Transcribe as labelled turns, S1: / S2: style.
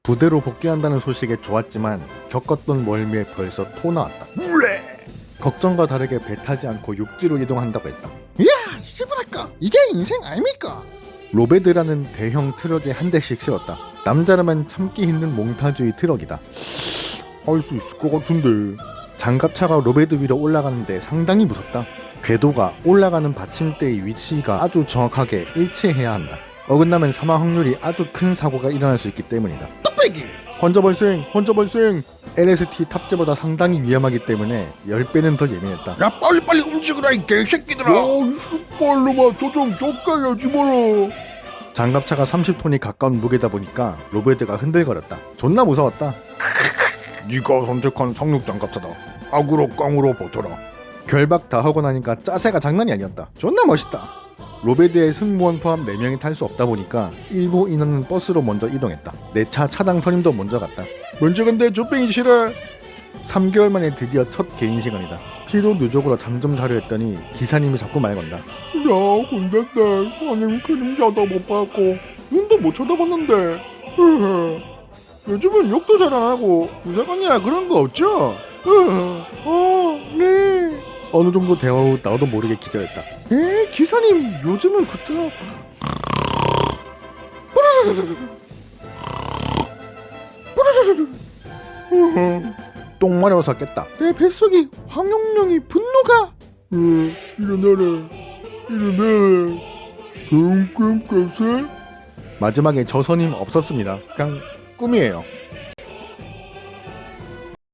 S1: 부대로 복귀한다는 소식에 좋았지만 겪었던 멀미에 벌써 토 나왔다. 걱정과 다르게 배 타지 않고 육지로 이동한다고 했다.
S2: 이야 씨부랄까 이게 인생 아닙니까?
S1: 로베드라는 대형 트럭에 한 대씩 실었다. 남자라면 참기 힘든 몽타주의 트럭이다.
S2: 할 수 있을 것 같은데.
S1: 장갑차가 로베드 위로 올라가는데 상당히 무섭다. 궤도가 올라가는 받침대의 위치가 아주 정확하게 일치해야 한다. 어긋나면 사망 확률이 아주 큰 사고가 일어날 수 있기 때문이다.
S2: 뚝배기.
S1: 혼자 발생! LST 탑재보다 상당히 위험하기 때문에 10배는 더 예민했다.
S2: 야 빨리빨리 움직여라 이 개새끼들아.
S1: 이 빨로만 조정 쫓겨야지 뭐라. 장갑차가 30톤이 가까운 무게다 보니까 로베드가 흔들거렸다. 존나 무서웠다.
S2: 네가 선택한 상륙 장갑차다. 악으로 깡으로 버텨라.
S1: 결박 다 하고 나니까 짜세가 장난이 아니었다. 존나 멋있다. 로베드의 승무원 포함 4명이 탈 수 없다 보니까 일부 인원은 버스로 먼저 이동했다. 내 차 차장 선임도 먼저 갔다.
S2: 먼저 간대 조병이 싫어.
S1: 3개월 만에 드디어 첫 개인 시간이다. 피로 누적으로 잠 좀 자려 했더니 기사님이 자꾸 말 건다.
S2: 야 군대때 아니 그림자도 못 봤고 눈도 못 쳐다봤는데 요즘은 욕도 잘 안 하고 부사관이나 그런 거 없죠? 네.
S1: 어느 정도 대화 후 나도 모르게 기절했다.
S2: 기사님 요즘은 그때
S1: 똥 마려워서 깼다.
S2: 내 뱃속이 황룡령이 분노가 일어나라 좋은 꿈 꿨어?
S1: 마지막에 저 선임 없었습니다. 그냥 꿈이에요.